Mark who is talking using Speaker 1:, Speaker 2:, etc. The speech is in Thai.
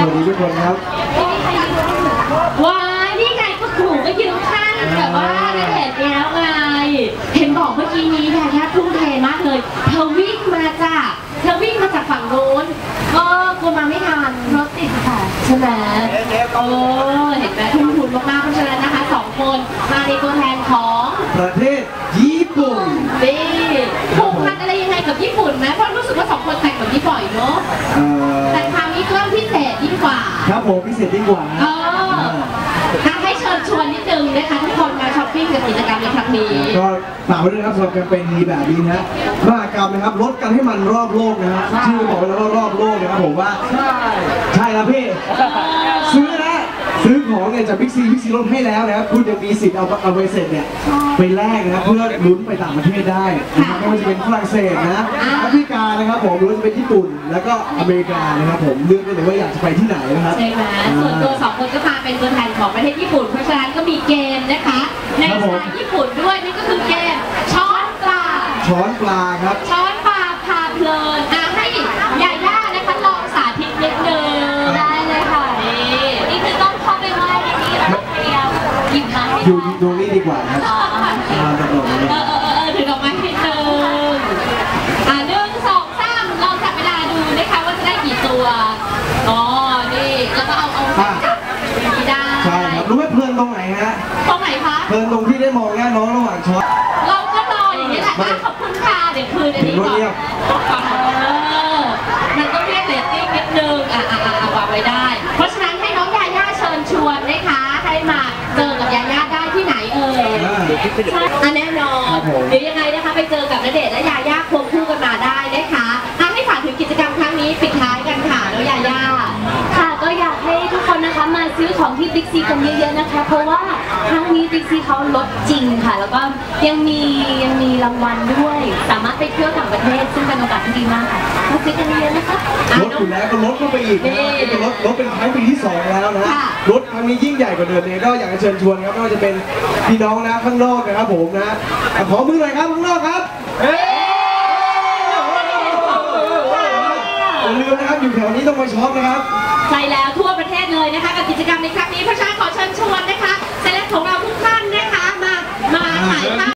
Speaker 1: วัสดีทุกคนครับ
Speaker 2: ว้ายนี่ไงก็ขู่ก็ยืนข้างแบบว่าได้เห็นแล้วไงเห็นบอกเมื่อกี้นี้ยาย่าทุ่มเทมากเลยเธอวิ่งมาจากฝั่งโน้นกลัวมาไม่ทันรถติดค่ะใช่ไหมเห็นไหมทุ่มทุนมากๆเพราะฉะนั้นนะคะ2 คนมาในตัวแทนของ
Speaker 1: ประเทศญี่ปุ่น
Speaker 2: นี่ผูกพันอะไรยังไงกับญี่ปุ่นไหมเพราะรู้สึกว่า2 คนแต่งแบบนี้บ่อยเนาะแต่คราวนี้ก็พิเศษยิ่งกว่า
Speaker 1: ครับผมพิเศษยิ่งกว่า
Speaker 2: ให้เชิญชวนนิดนึงนะคะทุกคนมาช้อปปิ้งกับกิจกรรมในครั้งนี้
Speaker 1: ก็ฝากไว้ด้วยนะครับสำหรับแคมเปญดีแบบนี้นะมหกรรมนะครับลดกันให้มันรอบโลกนะฮะชื่อบอกไว้แล้วว่ารอบโลกนะครับผมว่าใช่แล้วพี่ซื้อของเนี่ยจากบิ๊กซีลดให้แล้วนะครับคุณจะมีสิทธิ์เอาใบเสร็จเนี่ยไปแลกนะครับเพื่อลุ้นไปต่างประเทศได้นะครับไม่ว่าจะเป็นฝรั่งเศสนะแอฟริกานะครับผมหรือว่าจะเป็นญี่ปุ่นแล้วก็อเมริกานะครับผมเลือกได้เลยว่าอยากจะไปที่ไหนนะครับ
Speaker 2: ใช่ไหมส่วนตัว2 คนก็มาเป็นตัวแทนของประเทศญี่ปุ่นเพราะฉะนั้นก็มีเกมนะคะในสไตล์ญี่ปุ่นด้วยนั่นก็คือเกมช้อนปลา
Speaker 1: ครับ
Speaker 2: ช้อนปลาพาเพลินให้ยาย่านะคะลองสาธิตนิดนึงได้เลยค่ะนี่คือต้องเข้าไปไหว้ในนี้แล้วเดียวหยิบมา
Speaker 1: อยู่ตรงนี้ดีกว่าครับ
Speaker 2: ถือดอกไม้นิดนึง1 2 3ลองจับเวลาดูนะคะว่าจะได้กี่ตัวนี่แล้วก็เอาจับไม่ได้
Speaker 1: ใช่ครับรู้ไหมเพลินตรงไหนฮะ
Speaker 2: ตรงไหนคะ
Speaker 1: เพลินตรงที่ได้มองหน้าน้องระหว่างช็อต
Speaker 2: เราก็รออย่างนี้แหละขอบคุณค่ะเดี๋ยวคืนอันนี้ก่อนมันต้องเรียกเรตติ้งนิดนึงวางไว้ได้เพราะฉะนั้นให้น้องยาย่าเชิญชวนนะคะให้มาเจอกับยาย่าได้ที่ไหนแน่นอนเดี๋ยวยังไงนะคะไปเจอกับณเดชน์และยาย่าควงคู่กันมาได้นะคะให้ฝากถึงกิจกรรมครั้งนี้ปิดท้ายกันค่ะแล้วยาย่า
Speaker 3: ค่ะก็อยากให้ทุกคนนะคะมาซื้อของที่บิ๊กซีกันเยอะๆนะคะเพราะว่าครั้งนี้บิ๊กซีเขาลดจริงค่ะแล้วก็ยังมีรางวัลด้วยสามารถไปเที่ยวต่างประเทศซึ่งเป็นโอกาสที่ดีมากค่ะมาซื้อกันเยอะๆนะคะ
Speaker 1: ลดอยู่แล้วก็ลดเข้าไปอีกนะลดเป็นครั้งปีที่2แล้วนะลดครั้งนี้ยิ่งใหญ่กว่าเดิมเลยก็อยากจะเชิญชวนครับไม่ว่าจะเป็นพี่น้องนะข้างนอกนะครับผมนะขอมือหน่อยครับข้างนอกครับอย่าลืมนะครับอยู่แถวนี้ต้องมาช็อปนะครับ
Speaker 2: ใช่แล้วทั่วประเทศเลยนะคะกับกิจกรรมในครั้งนี้เพราะฉะนั้นขอเชิญชวนนะคะเซเลบของเราทุกท่านนะคะมาถ่ายภาพ